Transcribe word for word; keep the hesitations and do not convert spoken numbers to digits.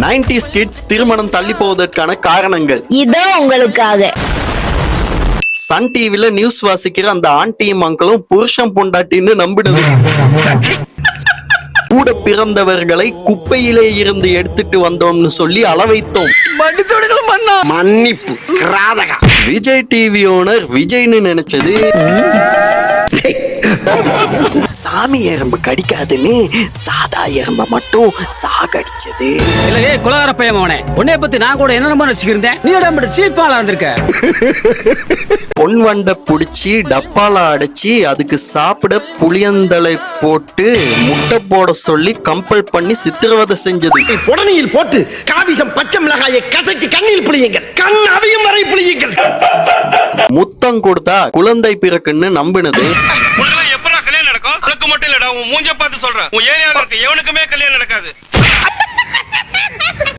Nineties kids திருமணம் தள்ளி போவதற்கான காரணங்கள் இதோ உங்களுக்காக. சன் டிவில நியூஸ் வாசிக்கிற அந்த ஆண்டியும் அங்கிளும் புருஷன் பொண்டாட்டின்னு நம்பினது. கூட பிறந்தவர்களை குப்பையிலே இருந்து எடுத்துட்டு வந்தோம்னு சொல்லி அளவைத்தோம். மன்னிப்பு. விஜய் டிவி ஓனர் விஜய்னு நினைச்சது சாமி எறும்பு கடிக்காதுன்னு சாதா எறும்ப மட்டும் சாகடிச்சது. இல்லையே குலகார பையன் அவனே, உன்னைய பத்தி நான் கூட என்ன நினைச்சுக்கிருந்தேன். நீ உடம்பு சீப்பாலா இருந்திருக்க. பொன் வண்டை புடிச்சு டப்பால அடைச்சி அதுக்கு சாப்பிட புளியந்தலை போட்டு முட்டை போட சொல்லி கம்பல் பண்ணி சித்திரவதை செஞ்சது. உடனேயில் போட்டு காவிசம் பச்சை மிளகாயை கசக்கி கண்ணில் புளியுங்கள், கண் அவியும் வரை புளியுங்கள். முத்தம் கொடுத்தா குழந்தை பிறக்குன்னு நம்பினது. எப்படா கல்யாணம் நடக்கும்? உனக்கு மட்டும் இல்லடா, உன் மூஞ்ச பார்த்து சொல்றேன். உன் ஏரியால இருக்க எவனுக்குமே கல்யாணம் நடக்காது.